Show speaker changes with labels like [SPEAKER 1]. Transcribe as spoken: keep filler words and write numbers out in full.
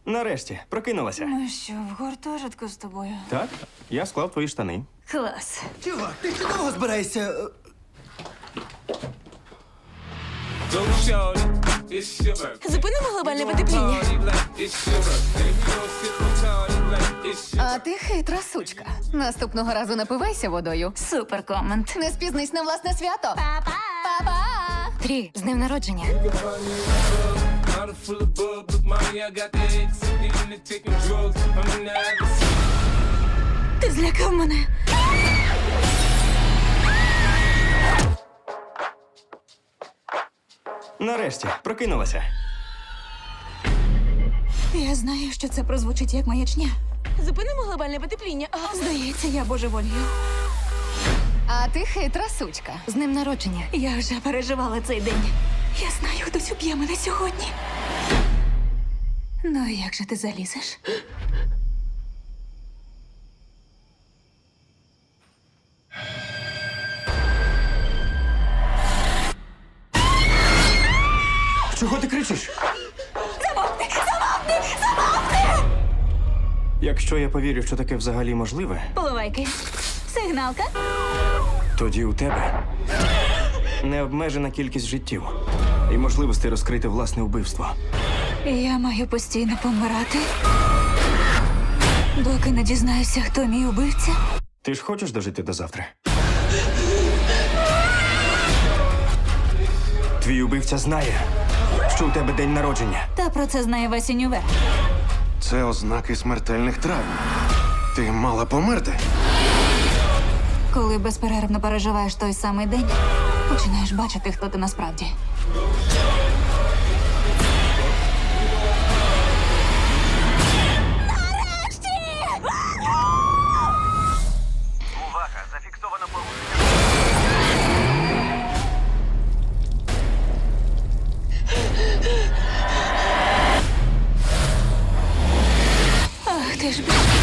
[SPEAKER 1] Нарешті, прокинулася.
[SPEAKER 2] Ми що, в гуртожитку з тобою?
[SPEAKER 1] Так? Я склав твої штани.
[SPEAKER 2] Клас.
[SPEAKER 3] Чувак, ти ще довго збираєшся? е,
[SPEAKER 4] Go shorty, it's your birthday.
[SPEAKER 2] Зупинимо глобальне потепління.
[SPEAKER 4] Party like it's your birthday. If you don't sip on party like it's your
[SPEAKER 5] А ти хитра сучка. Наступного разу напивайся водою.
[SPEAKER 2] Супер комент.
[SPEAKER 5] Не спізнись на власне свято. Па-па! Па-па! Трі, з днем народження.
[SPEAKER 4] bottle full of bub. Look, mommy, I got the X. Getting to taking drugs. I'm in the habit.
[SPEAKER 2] Ти злякав мене.
[SPEAKER 1] Нарешті, прокинулася.
[SPEAKER 2] Я знаю, що це прозвучить як маячня. Зупинимо глобальне потепління. А, здається, я божеволію.
[SPEAKER 5] А ти хитра сучка. З днем народження.
[SPEAKER 2] Я вже переживала цей день. Я знаю, хтось уб'є мене сьогодні. Ну, і як же ти залізеш?
[SPEAKER 1] Чого ти кричиш? Замовкни! Замовкни! Замовкни! Якщо я повірю, що таке взагалі можливе,
[SPEAKER 2] Поливайки. Сигналка.
[SPEAKER 1] тоді у тебе необмежена кількість життів і можливості розкрити власне вбивство.
[SPEAKER 2] Я маю постійно помирати. Доки не дізнаюся, хто мій убивця.
[SPEAKER 1] Ти ж хочеш дожити до завтра? Твій убивця знає, що у тебе день народження.
[SPEAKER 2] Та про це знає весь універ.
[SPEAKER 6] Це ознаки смертельних травм. Ти мала померти.
[SPEAKER 2] Коли безперервно переживаєш той самий день, починаєш бачити, хто ти насправді.
[SPEAKER 3] Увага! Зафіксовано порушення.
[SPEAKER 2] Ах, ти ж б***ь.